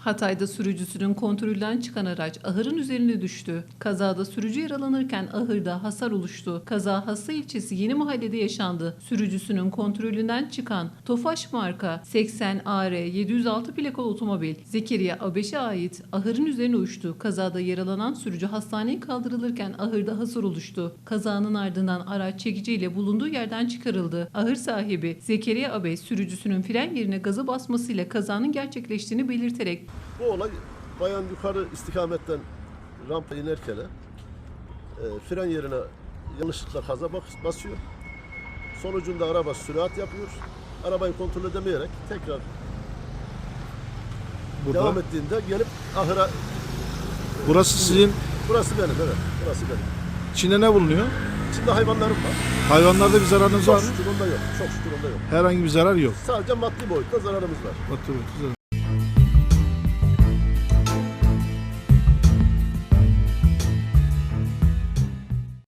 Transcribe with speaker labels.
Speaker 1: Hatay'da sürücüsünün kontrolden çıkan araç ahırın üzerine düştü. Kazada sürücü yaralanırken ahırda hasar oluştu. Kaza Hassa ilçesi Yeni Mahalle'de yaşandı. Sürücüsünün kontrolünden çıkan Tofaş marka 80 AR 706 plakalı otomobil Zekeriya Abeş'e ait ahırın üzerine uçtu. Kazada yaralanan sürücü hastaneye kaldırılırken ahırda hasar oluştu. Kazanın ardından araç çekiciyle bulunduğu yerden çıkarıldı. Ahır sahibi Zekeriya Abeş sürücüsünün fren yerine gaza basmasıyla kazanın gerçekleştiğini belirterek
Speaker 2: Bu olay bayan yukarı istikametten rampa inerken fren yerine yanlışlıkla gaza basıyor. Sonucunda araba sürat yapıyor. Arabayı kontrol edemeyerek tekrar
Speaker 3: Burada.
Speaker 2: devam ettiğinde gelip ahıra...
Speaker 3: Burası sizin,
Speaker 2: Burası benim, evet. Burası benim.
Speaker 3: içinde ne bulunuyor?
Speaker 2: İçinde hayvanlarım var.
Speaker 3: Hayvanlarda bir zararınız var
Speaker 2: Çok
Speaker 3: mı?
Speaker 2: şükür onda yok. Çok şükür onda yok.
Speaker 3: Herhangi bir zarar yok.
Speaker 2: Sadece maddi boyutta zararımız var.
Speaker 3: Otur, güzel.